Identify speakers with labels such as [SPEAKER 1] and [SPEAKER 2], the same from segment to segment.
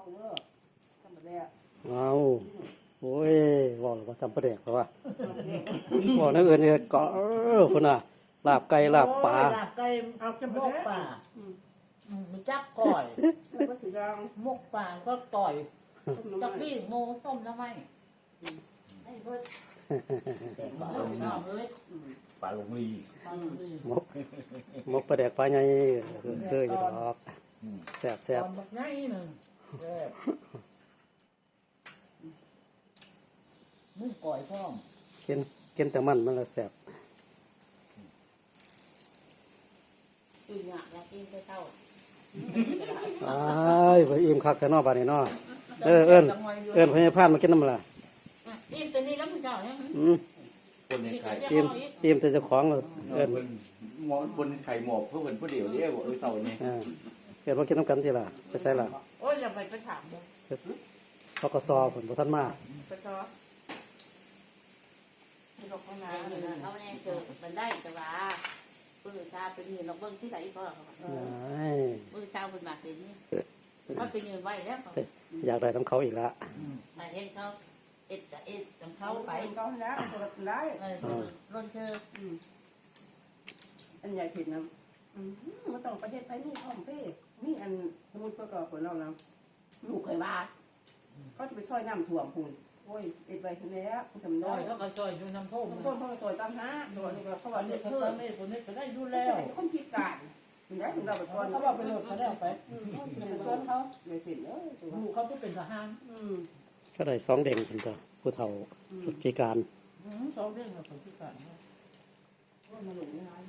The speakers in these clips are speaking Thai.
[SPEAKER 1] เด้อทำแบบนี้
[SPEAKER 2] เอาโอ้ยบอกเลยว่าจำประเด็กเพราะว่าบอกนักเอิญเนี่ยก็คนน่ะลาบไก่ลาบปลา
[SPEAKER 3] ลาบไก่เอาจมูกป่ามีจับก่อย
[SPEAKER 1] ก็ถือยาง
[SPEAKER 3] มกป่าก็ก่อย
[SPEAKER 1] ต้ม
[SPEAKER 3] จั
[SPEAKER 1] น้ำ
[SPEAKER 3] บ
[SPEAKER 1] มัน
[SPEAKER 3] พี่โมต้มน้ำไหมให้เพิ่นน้ำเลย
[SPEAKER 4] ปลาลงลี
[SPEAKER 2] มกมกประเด็กปลาใหญ่เคยอยู่ดอกแซ่บแซ่บ
[SPEAKER 3] ตอนบักไงหนึ่งมึงก่อยพ่อม
[SPEAKER 2] กินแต่มันมันละแซ่บ
[SPEAKER 5] กินอยากกินไปเท่า
[SPEAKER 2] อ้ายไปอิ่มคักแต่นอกบ้านนี่เนาะเอิญพญาพานมากินน้ำละ
[SPEAKER 5] อิ่มตัวนี้แล้วมึงเจ้าเนี่ย
[SPEAKER 4] คนในไข่
[SPEAKER 2] อิ่มแต่เจ้าของเลยเอิญ
[SPEAKER 4] หมอบนไข่หมอบเพื่อเป็นผู้เดียวเรียกว่าเสาเนี่ย
[SPEAKER 2] เอิญมากินน้ำกันทีละไปใส่ละ
[SPEAKER 5] โอ้ยอย่าไปถามเลย
[SPEAKER 2] เขาก็ซอผลบ่ทันมา
[SPEAKER 5] ไปต่อ
[SPEAKER 1] ไม่ต้องข้างหน้า
[SPEAKER 5] เขาแน่เจอมันได้แต่ว่าปืนชาเป็นยืนเราเบิ้งที่ไหนก็ปืนชาเป็นหมากเป็นนี่เขาจะยืนไว้แล้ว
[SPEAKER 2] อยากได้น้ำเขาอีกละ
[SPEAKER 5] มาเห็นเขาเอ็ดกับเอ็ดของเขา
[SPEAKER 1] เขา
[SPEAKER 5] ไป
[SPEAKER 1] ไปเขาแล้วคนละได้
[SPEAKER 5] ล้นเธอ
[SPEAKER 1] อันใหญ่ผิดนะมันต้องประเทศไทยนี่พ่อมเพ่นี่อันสมุนประกอบของเราแล้วลูกเคยว่าเขาจะไปซอยน้ำถ่วมคุณโอ้ยเอ็ดไว้ทีแล้วทำ
[SPEAKER 3] ก่
[SPEAKER 1] ได้
[SPEAKER 3] อยแล้วก็ซอยอยู่น้ำท่ม
[SPEAKER 1] ต้นเขาซอยตามหาตัวนี้เขา
[SPEAKER 3] วั
[SPEAKER 1] ว่าน
[SPEAKER 3] นี้
[SPEAKER 1] เด็ก
[SPEAKER 3] เขา
[SPEAKER 1] เพื่อ
[SPEAKER 3] ตอนนี้คนนี้ก็ได้ดูแล้ว
[SPEAKER 1] คนพิการเห็นไหมเราไปก่อน
[SPEAKER 3] เขาบอกไปโหลดเขาได้ไปชวนเขา
[SPEAKER 1] ไม่ผิดเลย
[SPEAKER 3] ลูกเขาก็เป็นทหาร
[SPEAKER 2] ก็ได้2เด้งเป็นตัวผู้เฒ่าพิการ
[SPEAKER 3] สองเรื่องของพิการ
[SPEAKER 1] มาหลงงาน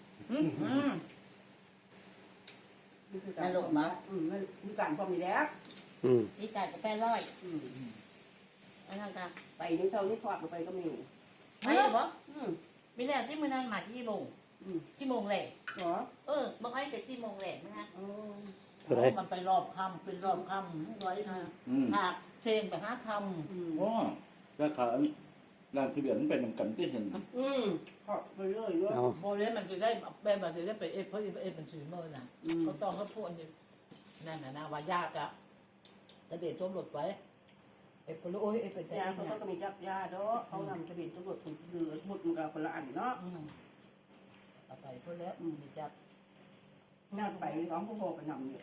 [SPEAKER 5] นั่นหลงมา
[SPEAKER 1] มีการพอมีแล้ว
[SPEAKER 5] ที่จ่ายกับ800อันนั้นกัน
[SPEAKER 1] ไปในเช้านี้ทอดไปก็มี
[SPEAKER 5] ไม่หรอไม่ได้ที่มือนั้นมาที่โมงที่โมงแหละ
[SPEAKER 1] เหรอ
[SPEAKER 5] บอกให้แต่ที่โมงแหละนะ
[SPEAKER 3] มันไปรอบคำเป็นรอบคำไว้นะหากเชงไปหาคำ
[SPEAKER 4] อ๋อราคาร้านที่เบียนเป็นกันที่เห็น
[SPEAKER 1] ทอดไปเรื่อยด้วย
[SPEAKER 2] เอา
[SPEAKER 3] โมเลมันจะได้แบบมันจะได้ไปเอฟเพราะเอฟมันซื้อเมื่อน่ะเขาต้องเขาพูดนั่นนะว่ายากอะแต่เด็กจมหลุดไว้เอฟไปรู้โอ้ยเอฟไปใจ
[SPEAKER 1] ยาเขาก็มีจับยาเนาะเขานำทะเบียนตำรวจถูกเดือดหมดมันกับคนละอันเนาะ
[SPEAKER 3] เอาไปเพื่อแล้วมีจับ
[SPEAKER 1] งานไปร้องผู้โหกันนำเนี่ย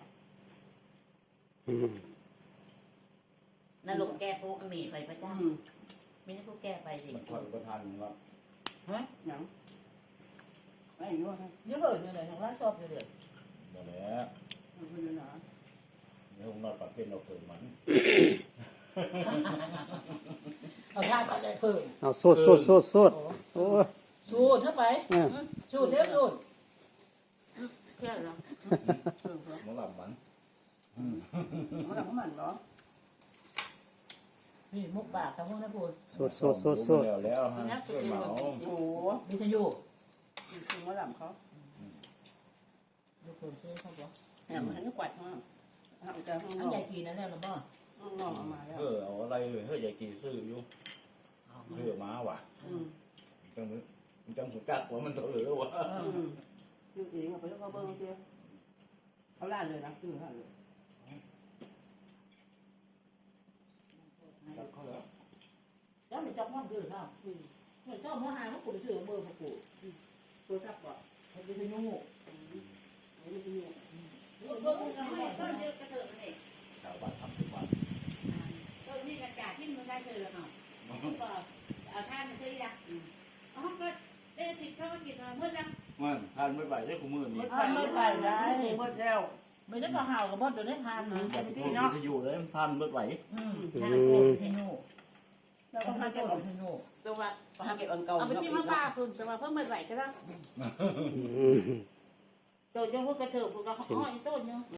[SPEAKER 5] นั่นหลงแก้พวกมีไปพระเจ้าไม่ได้พวกแก้ไปสิ
[SPEAKER 4] มันถอยประทานว่า
[SPEAKER 3] ฮะ
[SPEAKER 1] หนังไม่รู้นะ
[SPEAKER 3] เยอะเหอะเนี่ยทางร้านชอบเลย
[SPEAKER 4] นั่นแหละ
[SPEAKER 1] มันเป็นหนา
[SPEAKER 4] ในห้องนอนปากเป็นเราเกิดมัน
[SPEAKER 3] เอาท่าไปได้เพิ่ม
[SPEAKER 2] เอาโซดโอ้
[SPEAKER 3] สูดเข้าไปสูดเร็วสูด
[SPEAKER 5] เพื่อนเรา
[SPEAKER 4] มันหลับมัน
[SPEAKER 1] มันหนังมันเหรอ
[SPEAKER 3] นี่มุกปากทางพวกนั้นพูด
[SPEAKER 2] โซด
[SPEAKER 4] แล้วฮะเกิดเหมา
[SPEAKER 1] โอ้
[SPEAKER 3] มีทยุ
[SPEAKER 1] ถึงว่าหลับเขา
[SPEAKER 3] ดูคนซื้อเขาบอก
[SPEAKER 1] แหมมันกวาดมาเอาแต่ห้องน
[SPEAKER 3] อั
[SPEAKER 1] อน ก
[SPEAKER 3] ใหญ่กี่นั่นแหละหรือเปล่า
[SPEAKER 1] ห้องนอกมาแล้ว
[SPEAKER 4] เอาอะไรเลยเฮ้ยใหญ่กี่ซื้ออยู่ซื้อมาว่ะจังสุกัดว่ามันตัวเหลือวะ
[SPEAKER 1] คือเองเอาไปแล้วเขาเบิ้งเสียเขาล่าเลยนะคือล่าเลย
[SPEAKER 3] แล้วมันจับมันดื้อเนาะเจ้าหัวหายมันกูไปซื้อเบอร์มากู
[SPEAKER 1] ตัวทับก่อน
[SPEAKER 3] มันเป็นยุง
[SPEAKER 1] ไม่ได้ยิน
[SPEAKER 5] เบิ้งทำไมต้นเยอะกระเถิบเลย
[SPEAKER 4] ชาวบ้านทำทุกวัน
[SPEAKER 5] ต้นนี่กระจาดที่มึงได้เจอเนาะก็เอาท่านเคยละอ๋อก็ได้สิทธิ์เข้ามากินมาเมื่อยัง
[SPEAKER 4] มันทานไม่ไหวได้คู่มือนี่
[SPEAKER 1] ไม่ไปได้หมดแล้ว
[SPEAKER 3] ไม่ได้ก็ห่าวกับมดตัวได้ทานนะ
[SPEAKER 4] บอกพูดที่อยู่เลยทานไม่ไหว
[SPEAKER 3] ทานโอนเทนู
[SPEAKER 1] แล้วก็
[SPEAKER 3] ทา
[SPEAKER 1] มาน เก็บ
[SPEAKER 3] โอนเทนู
[SPEAKER 5] ตัวว่า
[SPEAKER 1] มาเก็บอันเก่า
[SPEAKER 5] เอาไปที่มาป้าคุณแต่ว่าเพิ่มไม่ไหวก็ได้ตัวยังพวกกระเถิบพวกกระห้อยต้นเนาะ